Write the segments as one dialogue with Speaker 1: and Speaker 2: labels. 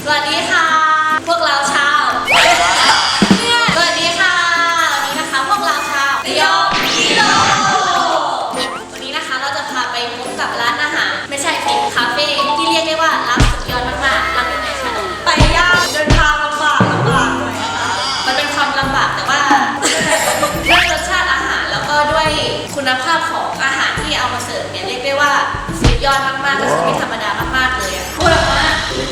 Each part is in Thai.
Speaker 1: วัสดีค่ะพวกเราชาวสวัสดีค่ะวันนี้นะคะพวกเราชาวระยองฮีโร่วันนี้นะคะเราจะพาไปพบกับร้านอาหารไม่ใช่สิคาเฟ่ที่เรียกได้ว่ารับสุดยอดมากๆรับยังไงคะไปยากเดินทางลำบากหน่อยนะคะมันเป็นความลำบากแต่ว่าด้วยรสชาติอาหารแล้วก็ด้วยคุณภาพของอาหารที่เอามาเสิร์ฟเนี่ยเรียกได้ว่าสุดยอดมากๆก็คือไม่ธรรมดามากๆเลยพูดออกมา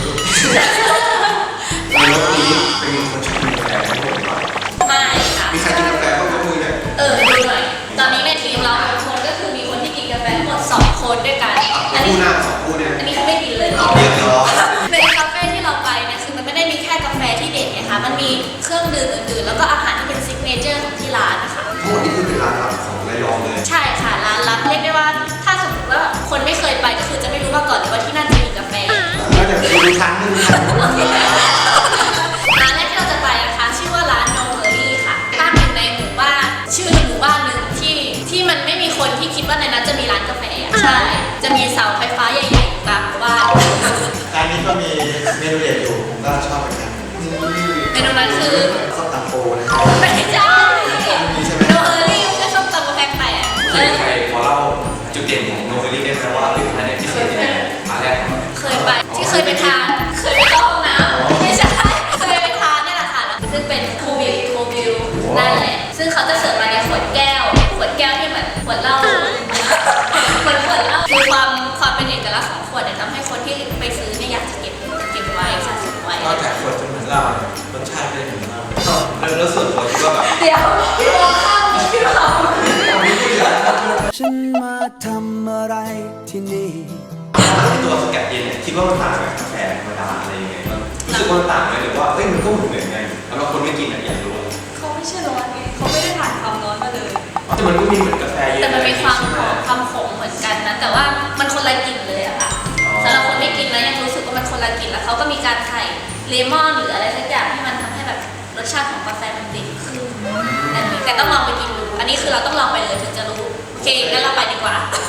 Speaker 2: ในรถนี้เป็นคนชอบกินกาแฟทั้งหมดหรือเปล่า
Speaker 1: ไม่ค่ะ
Speaker 2: มีใครกินกาแฟบ้างยกมือเลย
Speaker 1: ดูหน่อยตอนนี้ในทีมเรา6คนก็คือมีคนที่กินกาแฟทั้งหมด2คนด้วยกัน
Speaker 2: คู่หน้า2คู่เนี่ย
Speaker 1: อันนี้เขาไม่กินเลย
Speaker 2: เรียบร้อย
Speaker 1: ในคาเฟ่ที่เราไปเนี่ยคือมันไม่ได้มีแค่กาแฟที่เด็ดไงคะมันมีเครื่องดื่มอื่นๆแล้วก็อาหารที่เป็นซิกเนเจอร์ของที่ร้านนะคะ
Speaker 2: ทั้งหมดนี้คือเป็นร้านลับของระยองเลย
Speaker 1: ใช่ค่ะร้านลับเรียกได้ว่าถ้าสมมติว่าคนไม่เคยไปก็คือจะไม่รู้มาก่อนเลยว่าที่นั่นจะมีกาแฟ
Speaker 2: แล้วจะดูครั้งนึง
Speaker 1: ร้านแรกที่เราจะไปนะคะชื่อว่าร้าน No Hurry ค่ะตั้งอยู่ในหมู่บ้านชื่อหมู่บ้านหนึ่งที่มันไม่มีคนที่คิดว่าในนั้นจะมีร้านกาแฟใช่จะมีเสาไฟฟ้าใหญ่ๆกลางหมู่บ้าน
Speaker 2: ร้านนี้ก็มีเมนูเด็ดอยู่ผมก็ชอบเหมือนกัน
Speaker 1: เมนูนั้นคือ
Speaker 2: ส้มตำโฟนะครับ
Speaker 1: ไม่ใช่ No Hurry ไม่ใช่ส้มตำกาแฟแปะ
Speaker 3: ใครพอเล่าจุดเด่นของโนเวลี่ได้ไหมว่าผลิตภัณฑ์เนี่ยพิเศษยังไงมาแรก
Speaker 1: เคยไปที่เคยไปทานเคยไปเข้าห้องน้ำไม่ใช่เคยไปทานนี่แหละค่ะซึ่งเป็นโควิวนั่นแหละซึ่งเขาจะเสิร์ฟมาในขวดแก้วที่เหมือนขวดเหล้าขวดเหล้าคือความเป็นเอกลักษณ์ของขวดเนี่ยทำให้คนที่ไปซื้อเนี่ยอยากจะเก็บไว้สะสมไว้
Speaker 3: ก็แต่ขวดจะเหมือนเหล้ารสชาติก็เหมือนเหล้าแล้วส่วนตัวคิดว่าแบบ
Speaker 1: เดี๋ยวพี่มองข้ามพี่เขา
Speaker 4: ฉันมาทำอะไรที่นี่
Speaker 3: ตัวสกัดเย็นเนี่ยคิดว่ามันต่างกับกาแฟธรรมดาอะไรยังไงบ้างรู้สึกว่ามันต่างไหมหรือว่ามันก็เหมือนกันแล้วคนไม่กินอยากรู้
Speaker 1: เขาไม่ใช่ร้อนไงเขาไม่ได้ผ่านความร้อนมาเลย
Speaker 3: แต่มันก็มีเหมือนกาแฟเย็น
Speaker 1: แต่มันมีความหอมความขมเหมือนกันนะแต่ว่ามันคนละกลิ่นเลยอะค่ะสำหรับคนไม่กินแล้วยังรู้สึกว่ามันคนละกลิ่นแล้วเขาก็มีการใส่เลมอนหรืออะไรสักอย่างที่มันทำให้แบบรสชาติของกาแฟมันติดขึ้นนั่นเองแต่ต้องลองไปกินดูอันนี้คือเราต้องลองไปเลยถึงจะรู้โอเคงั้นเราไปดีกว่า